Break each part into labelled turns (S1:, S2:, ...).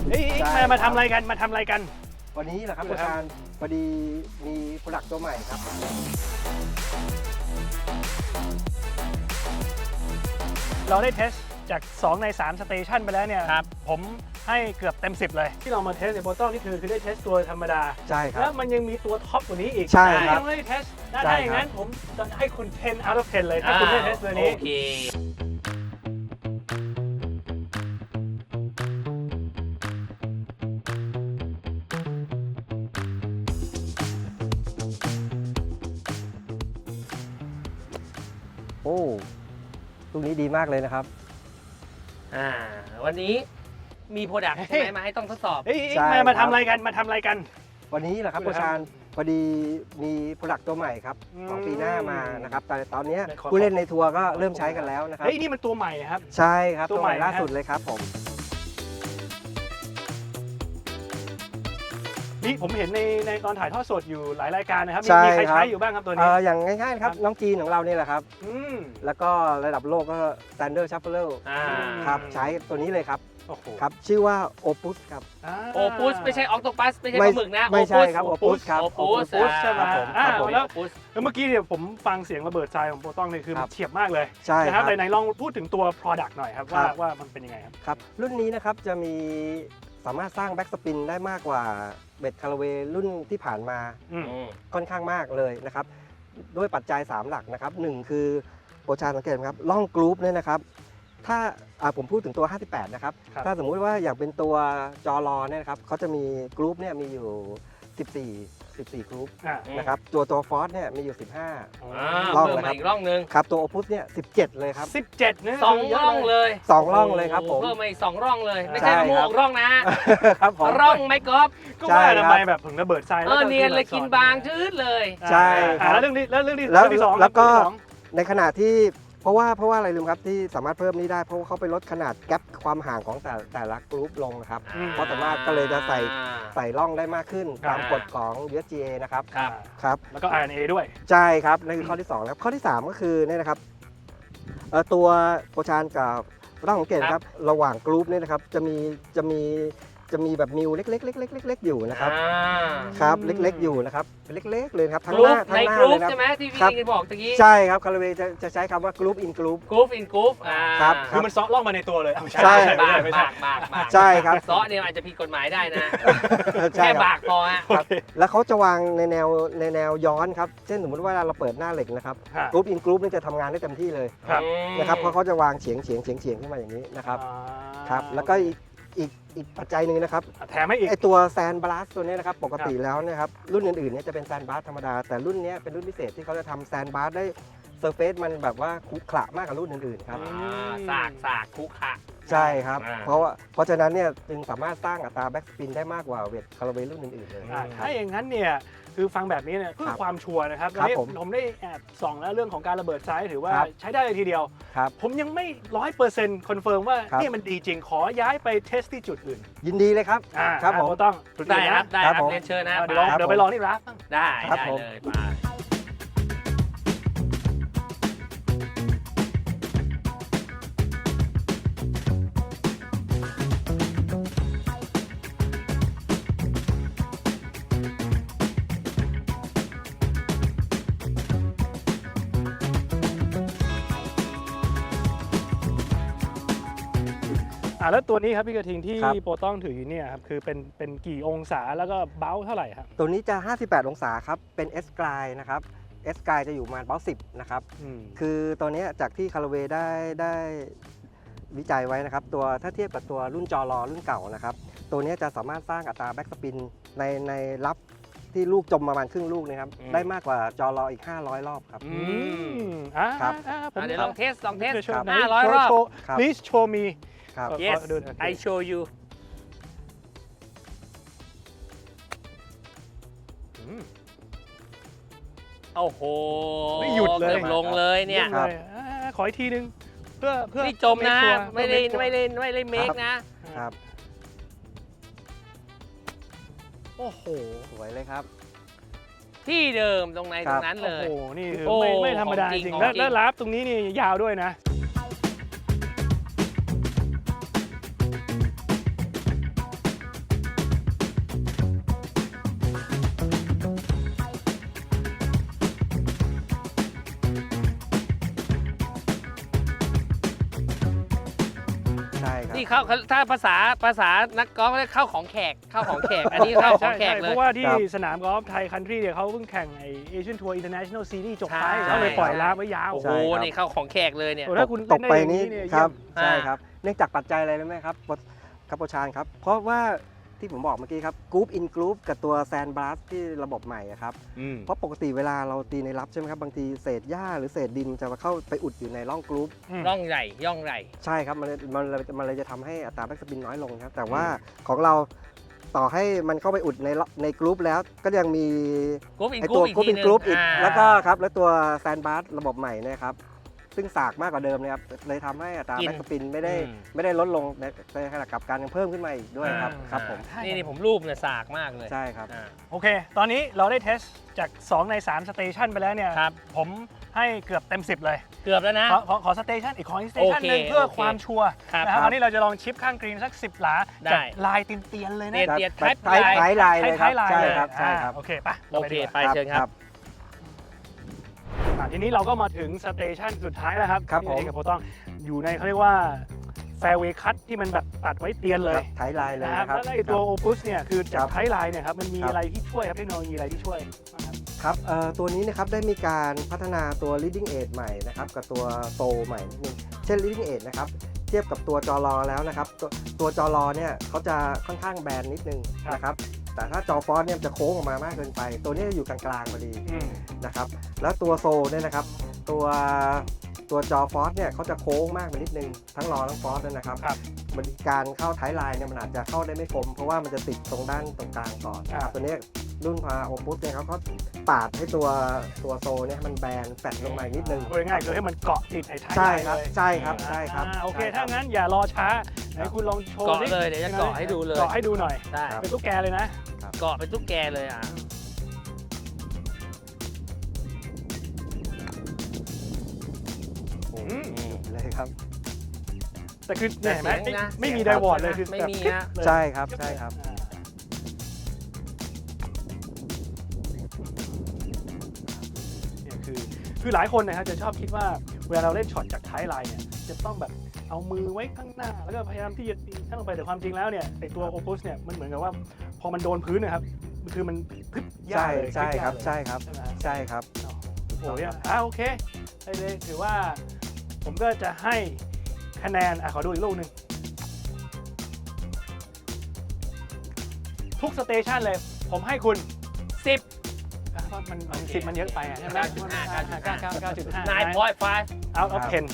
S1: เอ้ยมาทำอะไรกันมาทำอะไรกัน
S2: วันนี้เหรอครับอาจารย์พอดีมีโปรดักต์ตัวใหม่ครับ
S1: เราได้เทสจาก2ใน3สเตชันไปแล้วเนี่ยผมให้เกือบเต็ม10เลยที่เรามาเทสในโปรโตนี่คือได้เทสตัวธรรมดา
S2: ใช่ครับ
S1: แล้วมันยังมีตัวท็อปกว่านี้อีก
S2: ใช่ครับ
S1: ยังไม่ได้เทสถ้าอย่างนั้นผมจะให้คุณ10 out of 10เลยถ้าคุณได้เทสตัวนี้
S3: โอเค
S2: โอ้ลูกนี้ดีมากเลยนะครับ
S3: วันนี้มีโปรดักต์ใช่ไหมมาให้ต้องทดสอบ
S1: เอ้ย
S2: ใช่
S1: มา
S2: ครับ
S1: ทำอะไรกันมาทำอะไรกัน
S2: วันนี้เหรอครับอาจารย์พอดีมีโปรดักต์ตัวใหม่ครับของปีหน้ามานะครับแต่ตอนนี้ผู้เล่นในทัวร์ก็เริ่มใช้กันแล้วนะครับ
S1: เฮ้ยนี่มันตัวใหม่ครับ
S2: ใช่ครับ
S1: ตั
S2: ตัว ว
S1: ให
S2: ให
S1: ม่
S2: ม่ล่าสุดเลยครับผม
S1: นี่ผมเห็นในตอนถ่ายทอดสดอยู่หลายรายการนะครับ
S2: ใช่
S1: มีใคร
S2: ครับ
S1: ใช้อยู่บ้างครับตัวนี้
S2: อย่างง่ายๆครับน้องจีนของเรานี่แหละครับ
S1: อืม
S2: แล้วก็ระดับโลกก็ Standard Shuffle ครับใช้ตัวนี้เลยครับ
S1: โอ้โห
S2: ครับชื่อว่า Opus ครับ
S3: โอปุสไม่ใช่ออกโตปัสไม่ใช่ปลาหมึกนะ
S2: ไม่ใช่ครับ Opus ครับ
S3: โอปุส
S1: Opus ใช่ไหม
S2: ครับผม
S1: แล้วเมื่อกี้เนี่ยผมฟังเสียงระเบิดทรายของโปรตองเนี่ยคือ
S2: ครั
S1: มัน
S2: บ
S1: เฉียบมากเลย
S2: ใช่
S1: นะค
S2: ค
S1: รั
S2: รั
S1: บบ ไหนลองพูดถึงตัว Product หน่อยครับ
S2: ครับ
S1: ว่ามันเป็นยังไงครับ
S2: ครับรุ่นนี้นะครับจะมีสามารถสร้างแบ็กสปินได้มากกว่าเบ็ดคาราเวรุ่นที่ผ่านมา
S1: อืม
S2: ค่อนข้างมากเลยนะครับด้วยปัจจัย 3 หลักนะครับ1คือโปรชาสังเกตไหมครับล่องกรุ๊ปเนี่ยนะครับถ้าผมพูดถึงตัว 58 นะครับ
S1: ครับ
S2: ถ้าสมมุติว่าอย่างเป็นตัวจอรอเนี่ยนะครับเขาจะมีกรุ๊ปเนี่ยมีอยู่ 14 กรุ๊ป
S1: อ่า
S2: นะครับตัวฟอสเนี่ยมีอยู่
S3: ร่องมาอีกร่องหนึ่ง
S2: 15 ครับตัวโอพุสเนี่ย17 เลยครับ
S1: 17นะ
S3: สองร่องเลย
S2: 2 ร่องเลยครับผม
S3: เพิ่มมาอีก2ร่องเลย ไม่
S2: ใช่
S3: ใช่มะม่ว
S2: ครั
S3: ง
S2: บ
S3: ร่องนะ
S2: ครับผม
S3: ร่องไม้กอล์ฟ
S1: ก็ว่า
S2: ใช่ครับ
S1: ทำไมแบบถึงระเบิดทรายแล้ว
S3: เนียนเลยกินบางชืดเลย
S2: ใช่ครับ
S1: แล้วเรื่องที่
S2: แล้ว
S1: เรื่องที่สอง
S2: แล้วก็
S1: เรื่องที่สอง
S2: ในขณะที่เพราะว่าอะไรลืมครับที่สามารถเพิ่มนี้ได้เพราะว่าเขาไปลดขนาดแกลบความห่างของแต่ละกรุ๊ปลงนะครับ เพราะสามารถก็เลยจะใส่ร่องได้มากขึ้นตามกฎของ USGA นะครับ
S3: ครับ
S2: ครับ
S1: แล้วก็ RNA ด้วย
S2: ใช่ครับนั่นคือข้อที่2แล้วข้อที่ 3 ก็คือเนี่ยนะครับตัวโปรชานกับร่องของเกตครับระหว่างกรุ๊ปเนี่ยนะครับจะมีแบบมิวเล็กๆอยู่นะครับครับเล็กๆอยู่นะครับเป็นเล็กๆเลยครับทั้งหน้า
S3: ใน
S2: ทั้งหน้าก
S3: รุ๊
S2: เล
S3: ป
S2: ยครับ
S3: ใช่ไหมที่พี่
S2: ครับ
S3: กินบอกตะกี้
S2: ใช่ครับคาราเวจะใช้คำว่ากรุ๊ปอินกรุ๊ป
S3: กรุ๊ปอินกรุ๊ป
S2: ครับ
S1: คือมันซ้อล่องมาในตัวเลยไม่
S2: ใช่
S3: บาก
S1: ไม่ใช่
S3: บาก
S2: ใช่ครับ
S3: ซอเนี่ยอาจจะผิดกฎหมายได้นะ
S2: ใช่
S3: แค่
S2: ครับ
S3: บากพอฮะ
S2: ครับแล้วเขาจะวางในแนวย้อนครับเช่นสมมติว่าเราเปิดหน้าเหล็กนะครับ
S1: ฮะ
S2: กรุ๊ปอินกรุ๊ปนี่จะทำงานได้เต็มที่เลย
S1: ครับ
S2: นะครับเพราะเขาจะวางเฉียงขึ้นมาอย่างนี้นะครับครับแล้วก็อีกปัจจัยหนึ่งนะครับ
S1: แถมให้อีก
S2: ไอตัวแซนบลัสตัวนี้นะครับปกติแล้วนะครับรุ่นอื่นๆเนี่ยจะเป็นแซนบลัสธรรมดาแต่รุ่นนี้เป็นรุ่นพิเศษที่เขาจะทำแซนบลัสได้เซอร์เฟซมันแบบว่าขรุขระมากกว่ารุ่นอื่นๆครับ
S3: สากคุกคะ
S2: ใช่ครับ
S3: อ่า
S2: เพราะฉะนั้นเนี่ยจึงสามารถสร้างอัตราแบ็กสปินได้มากกว่าเวทคาราเวรุ่นอื่นๆเลย
S1: ถ้าอย่างนั้นเนี่ยคือฟังแบบนี้เนี่ยเพื่อความชัวร์นะครับ
S2: ครับ
S1: วันนี้
S2: ผม
S1: ผมได้แอบส่องแล้วเรื่องของการระเบิดไซส์ถือว่า
S2: ครับ
S1: ใช้ได้เลยทีเดียว
S2: ครับ
S1: ผมยังไม่100%คอนเฟิร์มว่า
S2: ครับ
S1: เนี่ยมันดีจริงขอย้ายไปเทสที่จุดอื่น
S2: ยินดีเลยครับ ครับผม
S1: ต้องจุด
S3: ได้
S1: อื่น
S3: ครั
S1: นะ
S3: บได้
S2: ค
S3: ค
S2: รั
S3: รั
S2: บบ ผม
S3: เรียนเชิญนะ
S1: เดี๋ยวลอง
S2: ครับ
S1: เดี๋ยวไปลองที่ร้านบ้าง
S3: ได้
S2: ครับ
S3: ได้
S2: ผม
S3: เลยไป
S1: แล้วตัวนี้ครับพี่กระทิงที่
S2: ครับ
S1: โปรต้องถืออยู่เนี่ยครับคือเป็นกี่องศาแล้วก็เบ้าเท่าไหร่ครับ
S2: ตัวนี้จะ 58 องศาครับเป็น S กลายนะครับ S กลายจะอยู่ประมาณเบ้า10นะครับ คือตัวเนี้ยจากที่คาราเวได้วิจัยไว้นะครับตัวถ้าเทียบกับตัวรุ่นจอรอรุ่นเก่านะครับตัวเนี้ยจะสามารถสร้างอัตราแบ็กสปินในรับที่ลูกจมประมาณครึ่งลูกนะครับได้มากกว่าจอรออีก500 รอบครับ ครับ
S1: ผม
S3: เดี๋ยวลองเทสลองเทส
S2: ครับ
S3: 500 รอบ
S2: ครับ
S1: please show me
S2: ครับ
S3: yes
S1: ดู
S3: I show you โอ้โห
S1: ไม่หยุดเลย
S3: กือบลงเลยเนี่ย
S2: ครับ
S1: ขออีกทีนึงเพื่อ
S3: นี่จมนะ ไม่ได้เมคนะ
S2: ครับ
S1: โอ้โห
S2: สวยเลยครับ
S3: ที่เดิมตรงไหนตรงนั้นเลย
S1: โอ้โหนี่คือ
S3: โอ้
S1: ไม่ธรรมดา
S3: ของ
S1: จ
S3: จริ
S1: ริ
S3: ง
S1: ง
S3: ของจริง
S1: แล้วลาฟตรงนี้นี่ยาวด้วยนะ
S2: ค
S3: ที่เข้าถ้าภาษานักกอล์ฟเรียกเข้าของแขกอันนี้เข้าของแขกเล
S1: เพ
S3: ย
S1: ราะว่าที่สนามกอล์ฟไทยคันทรีเนี่ยเขาเพิ่งแข่งไอเอเชียนทัวร์อินเตอร์เนชั่นแนลซีรีส์จบไป
S3: ใช่
S1: เขาเลยปล่อยลาไว้ยาว
S3: โอ้โห
S2: ใช่ครับ
S3: นี่เข้าของแขกเลยเนี่ย
S1: โอ้ถ้าคุณ
S2: ตกไป
S1: เล่นได้
S2: นี้
S1: อย่างนี้เนี่ย
S2: ครับ
S3: เยี่ยม
S2: ใช่
S3: อ่า
S2: ครับเนื่องจากปัจจัยอะไรรู้ไหมครับโปรชานครับ เพราะว่าที่ผมบอกเมื่อกี้ครับกรุ๊ปอินกรุ๊ปกับตัวแซนบลัสที่ระบบใหม่อะครับเพราะปกติเวลาเราตีในรับใช่ไหมครับบางทีเศษหญ้าหรือเศษดินจะมาเข้าไปอุดอยู่ในร่องกรุ๊ป
S3: ร่องใหญ่ย่องใหญ่
S2: ใช่ครับมันเลยจะทำให้อัตราแบ็กสปินน้อยลงครับแต่ว่าของเราต่อให้มันเข้าไปอุดในกรุ๊ปแล้วก็ยังมี
S3: กรุ๊ปอิน
S2: ไอก
S3: รุ๊
S2: ตัว
S3: ปอีก
S2: กรุ๊ป
S3: ที
S2: อิน
S3: นึง
S2: กรุ๊ปอีก
S3: า
S2: แล้วก็ครับแล้วตัวแซนบลัสระบบใหม่เนยครับซึ่งสากมากกว่าเดิมเนี่ยครับเลยทำให้อัตราแบ็กสปินไม่ได้ลดลงในขณะกลับกันยังเพิ่มขึ้นมาอีกด้วยครับครับผม
S3: นี่ผมรูปเนี่ยสากมากเลย
S2: ใช่ครับ
S3: อ่า
S1: โอเค ตอนนี้เราได้เทสจาก 2 ใน 3 สเตชันไปแล้วเนี่ย
S3: ครับ
S1: ผมให้เกือบเต็ม 10 เลย
S3: เกือบแล้วนะ
S1: ขอสเตชันอีกขอสเตชันหนึ่ง
S3: โอเค
S1: เพื่อ
S3: โอเค
S1: ความชัวร์
S3: ครับ
S1: นะครับอันนี้เราจะลองชิปข้างกรีนสัก 10 หลา
S3: ได้
S1: จากลายเตียนๆเลยนะ
S3: เตียน
S2: ท้ายลายเลยครับ
S1: ท้ายลาย
S2: ใช่
S1: เลย
S2: ครับใช่ครับ
S1: โอเคปะ
S3: โอเคไป
S2: ครับ
S3: เชิญครับ
S1: ทีนี้เราก็มาถึงสเตชันสุดท้ายแล้วครับ
S2: ครับผม
S1: ที่กับโปรต้องอยู่ในเขาเรียกว่าแฟร์เวย์คัทที่มันแบบตัดไว้เตียนเลย
S2: ท้ายลายเลย
S1: นะครับ
S2: นะครับ
S1: แล้วไอ้ตัวโอปุสเนี่ยคือจาก
S2: ครับ
S1: ท้ายลายเนี่ยครับมันมี
S2: ครับ
S1: อะไรที่ช่วยครับเทคโนโลยีอะไรที่ช่วยบ้างครับ
S2: ครับตัวนี้นะครับได้มีการพัฒนาตัว leading edge ใหม่นะครับกับตัวโซใหม่นิดนึงเช่น leading edge นะครับเทียบกับตัวจอรอแล้วนะครับตัวจอรอเนี่ยเขาจะค่อนข้างแบนนิดนึงนะครับแต่ถ้าจอฟอนต์เนี่ยจะโค้งออกมามากเกินไป ตัวนี้จะอยู่กลางๆพอดีนะครับแล้วตัวโซเนี่ยนะครับตัวจอฟอสเนี่ยเขาจะโค้งมากไปนิดนึงทั้งรอทั้งฟอสเลยนะครับ
S1: ครับ
S2: บริการเข้าท้ายไลน์เนี่ยมันอาจจะเข้าได้ไม่คมเพราะว่ามันจะติดตรงด้านตรงกลางก่อนนะครับตัวนี้รุ่นพาโอปุสเนี่ยเขาก็ปาดให้ตัวโซเนี่ยมันแบนแฟดลงมาอีกนิดนึง
S1: พูดง่ายๆคือให้มันเกาะติดไอ้ท้าย
S2: ใช่
S1: ลาย
S2: ครับ
S1: เลย
S2: ใช่ครับใช่ครับ
S1: โอเค
S2: ใช่รับ
S1: ถ้างั้นอย่ารอช้าไหนคุณลองโชว์
S3: เกาะ
S1: สิ
S3: เลยเดี๋ยวจะเกาะให้ดูเลย
S1: เกาะให้ดูหน่อย
S3: ได้
S2: ครับ
S1: เป็นตุ๊กแกเลยนะ
S3: เกาะเป็นตุ๊กแกเลยอ่ะ
S1: อืม
S2: เลยครับ
S1: แต่คือเนี่ยเห็นไหม
S3: เสียงนะ
S1: ไม่มี
S3: เสี
S1: ได
S3: ยง
S1: วอร์ดเลยคือ
S3: ไม่
S1: แบบ
S3: มี
S1: ปิ๊บ
S3: ฮะ
S1: เลย
S2: ใช่ครับใช่ครับ
S1: เนี่ยคือหลายคนนะครับจะชอบคิดว่าเวลาเราเล่นช็อตจากท้ายไลน์เนี่ยจะต้องแบบเอามือไว้ข้างหน้า แล้วก็พยายามที่จะตีข้างลงไปแต่ความจริงแล้วเนี่ยไอตัวโอปุสเนี่ยมันเหมือนกับว่าพอมันโดนพื้นนะครับคือมันพึบยาก
S2: ใช่
S1: เลย
S2: ใช่ครับ
S1: พลิกยากเลย
S2: ใช่ครับ
S1: ใช่ไหม
S2: ใช่ครับ
S1: โอ้ยโอเคได้เลยถือว่าผมก็จะให้คะแนนขอดูอีกลูกหนึ่งทุกสเตชันเลย ผมให้คุณ 10เพราะมัน10มันเยอะไปใช่ไหม
S3: 9.5 9.5
S1: out of 10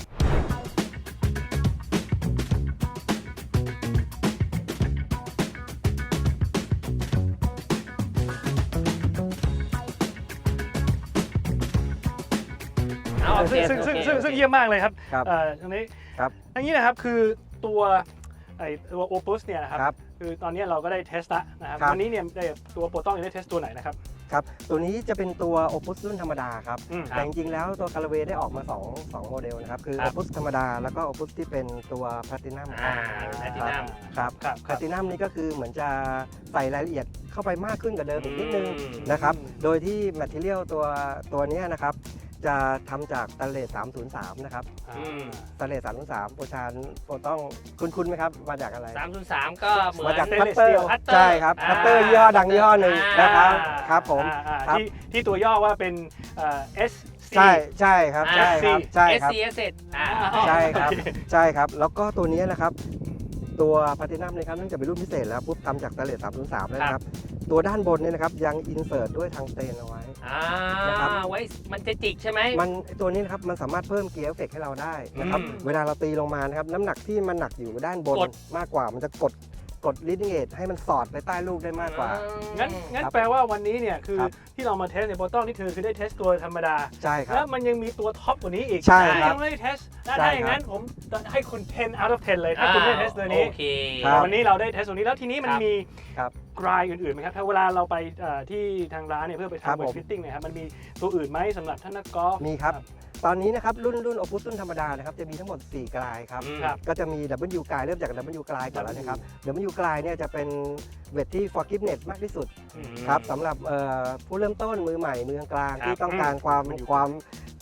S3: เอาโอเค
S1: ซึ่งเยี่ยมมากเลยครับ
S2: ครับ
S1: ตรงนี้
S2: ครับ
S1: อันนี้นะครับคือตัวโอปุสเนี่ยนะครับ
S2: ครับ
S1: คือตอนนี้เราก็ได้เทสละนะครับ
S2: ครับ
S1: วันนี้เนี่ยได้ตัวโปรต้องได้เทสตัวไหนนะครับ
S2: ครับตัวนี้จะเป็นตัว Opus รุ่นธรรมดาครับ
S1: อืม
S2: แต่จริงๆแล้วตัว Callaway ได้ออกมา2โมเดลนะครับ คือ
S3: ครับ
S2: Opus ธรรมดา แล้วก็ Opus ที่เป็นตัว Platinum
S3: Platinum
S2: ครับ
S1: ครับ
S2: Platinum นี่ก็คือเหมือนจะใส่รายละเอียดเข้าไปมากขึ้นกว่าเดิมอีกนิดนึง
S3: อืม
S2: นะครับ โดยที่ Material ตัวเนี้ยนะครับ จะทำจากสแตนเลส303 นะครับ สแตนเลส303โปรชานโปรต้องคุ้นๆไหมครับ มาจากอะไร
S3: 303 ก็เหมือน
S2: มาจาก
S1: Stainless
S2: คัตเตอร์
S1: steel
S3: Cutter
S2: ใช่ครับคัตเตอร์ยี่ห้อดังยี่ห้อหนึ่งนะครับ ครับผม ครับ
S1: ที่ตัวย่อว่าเป็นSC
S2: ใช่ใช่ครับใช่ครับใช่ครับ
S3: SCS
S2: ใช่ครับใช่ครับ แล้วก็ตัวนี้นะครับ ตัวพาตินัมเลยครับเนื่องจากเป็นรุ่นพิเศษแล้วปุ๊บทำจากสแตนเลส303แล้วนะครับ ตัวด้านบนเนี่ยนะครับยังอินเสิร์ตด้วยทางสเตนเอาไว้ นะครับ
S3: ไว้มันจะจิกใช่ไหม
S2: มันตัวนี้นะครับมันสามารถเพิ่มเกียร์เอฟเฟกต์ให้เราได้นะครับ
S3: อืม
S2: เวลาเราตีลงมานะครับน้ำหนักที่มันหนักอยู่ด้านบน
S3: กด
S2: มากกว่ามันจะกด leading edge ให้มันสอดไปใต้ลูกได้มากกว่า
S1: งั้น
S2: ครับ
S1: แปลว่าวันนี้เนี่ยคือ
S2: ครับ
S1: ที่เรามาเทสในโปรต้องนี่คือได้เทสตัวธรรมดา
S2: ใช่ครั
S1: แล้
S2: บ
S1: วมันยังมีตัวท็อปกว่านี้อีก
S2: ใช่ครับ
S1: ยังไม่ได้เทสถ้า
S2: ใช่
S1: อย่างนั้นผมให้คุณ 10 out of 10 เลยถ้าคุณได้เทสตัวนี้
S3: โอเค
S2: ครับ
S1: วันนี้เราได้เทสตัวนี้แล้วทีนี้มัน
S3: ครับ
S1: มี
S2: ครับ
S1: กรายอื่นๆไหมครับถ้าเวลาเราไปที่ทางร้านเนี่ยเพื่อไป
S2: ครับ
S1: ทำเว
S2: ผ
S1: ท
S2: ม
S1: ฟิตติ้งเนี่ยครับมันมีตัวอื่นไหมสำหรับท่านนักกอล์ฟ
S2: มีครับ ตอนนี้นะครับรุ่น Opus รุ่นธรรมดานะครับจะมีทั้งหมด 4 กลายครับ
S1: ครับ
S2: ก็จะมี W กลายเริ่มจาก W กลายก่อนแล้วนะครับ W กลายเนี่ยจะเป็นเวทที่ forgiveness มากที่สุดครับสำหรับผู้เริ่มต้นมือใหม่มือกลาง
S3: ครับ
S2: ที่ต้องการความ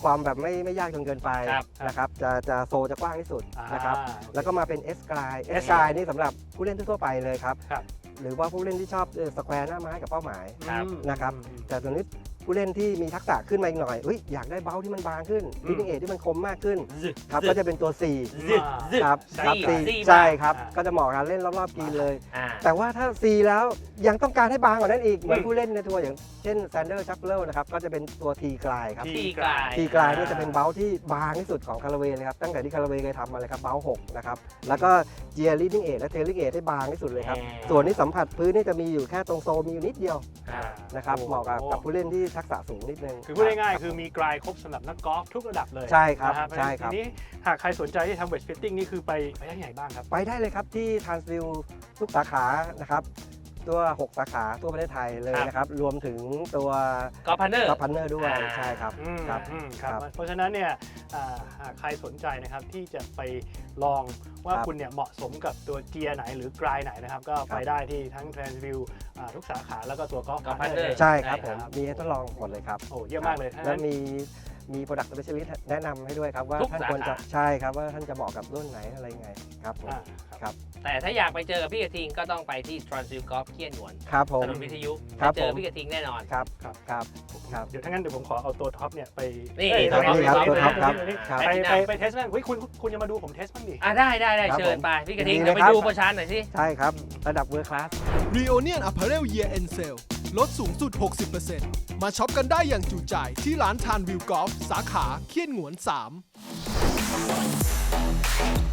S2: ความแบบไม่ยากจนเกินไป
S3: ครับ
S2: นะครับจะโซจะกว้างที่สุดนะครับ
S1: อ่า
S2: แล้วก็มาเป็น S Glide S Glide นี่สำหรับผู้เล่นทั่วๆไปเลยครับ
S1: ครับ
S2: หรือว่าผู้เล่นที่ชอบสแควร์หน้าไม้กับเป้าหมาย
S3: ครับ
S2: นะครับ แต่ส่วนนี้ผู้เล่นที่มีทักษะขึ้นมาอีกหน่อยอยากได้เบ้าที่มันบางขึ้น leading edge ที่มันคมมากขึ้นครับก็จะเป็นตัว 4
S3: ซึดซึด
S2: ครับ
S3: สี่
S2: ครับ
S3: สี่
S2: ใช่ครับ
S1: อ่า
S2: ก็จะเหมาะกับการเล่นรอบๆกรีนเลย
S3: อ่า
S2: แต่ว่าถ้า C แล้วยังต้องการให้บางกว่านั้นอีกเหมือนผู้เล่นในทัวร์อย่างเช่น Sander c h a p l e นะครับก็จะเป็นตัว T Glide ครับ
S3: T Glide
S2: T Glide นี่จะเป็นเบ้าที่บางที่สุดของคาราเวเลยครับตั้งแต่ที่คาราเวเคยทำมาเลยครับเบ้า 6 นะครับแล้วก็ Gear leading edge และ tailing edge ให้บางที่สุดเลยครับส่วนที่สัมผัสพื้นนี่จะมีอยู่แค่ตรงโซมีอยู่นิดเดียว
S3: อ่า
S2: นะครับเหมาะกับผู้เล่นที่ทักษะสูงนิดนึง
S1: คือพูดง่ายๆคือมีกลายครบสำหรับนักกอล์ฟทุกระดับเลย
S2: ใช่ครับ
S1: นะ
S2: ใช่ครับ
S1: ทีนี้หากใครสนใจที่ทำเวทฟิตติ้งนี่คือไปได้ที่ไหนบ้างครับ
S2: ไปได้เลยครับที่ Transview ทุกสาขานะครับตัว 6 สาขาทั่วประเทศไทยเลยนะครับรวมถึงตัว
S3: กอล์ฟพาร์เนอร์
S2: กับพันเนอร์ด้วย
S3: อ่า
S2: ใช่ครับ
S1: ครับ
S2: ครับ
S1: เพราะฉะนั้นเนี่ยหากใครสนใจนะครับที่จะไปลองว่า
S2: ครับ
S1: คุณเนี่ยเหมาะสมกับตัวเกียร์ไหนหรือกลายไหนนะครับก็ไปได้ที่ทั้ง Transview ทุกสาขาแล้วก็ตัวกอล์ฟ
S3: Golf
S1: พาร์เนอ
S3: Partner
S1: ร์
S2: ใช่ครับผมมีให้ทดลองหมดเลยครับ
S1: โอ้เยี่ยมมากเลย
S2: แล้วมี product specialist แนะนำให้ด้วยครับว่า
S3: ทุก
S2: ท่าน
S3: สาขา
S2: ควรจะใช่ครับว่าท่านจะเหมาะกับรุ่นไหนอะไรยังไงครับผม ครับ
S3: แต่ถ้าอยากไปเจอกับพี่กระทิงก็ต้องไปที่ Transview Golf เคียนหนวน
S2: ครับผม
S3: ถนนวิทยุ
S2: ครับ
S3: ไปเจอ
S2: ผม
S3: พี่กระทิงแน่นอน
S2: ครับ
S1: ครับ
S2: ครับครับ
S1: เดี๋ยวถ้างั้นเดี๋ยวผมขอเอาตัวท็อปเนี่ยไป
S3: นี่
S1: เอ้ย
S3: ตัวท็อป
S2: นี่ครับตัวท็อปครับ
S1: ไปไปเทสบ้างเฮ้ยคุณจะมาดูผมเทสบ้างดิ
S3: อ่ะได้
S2: ครับ
S3: เชิญไปพี่กระทิง
S2: ดีเลย
S3: เดี๋ยวไป
S2: ครับ
S3: ดูโปรชันหน่อยสิ
S2: ใช่ครับ ระดับ World Class
S4: Reunion Apparel Year End Sale ลดสูงสุด 60% มาช็อปกันได้อย่างจุใจที่ร้านทานวิวกอล์ฟสาขาเคียนหงวน 3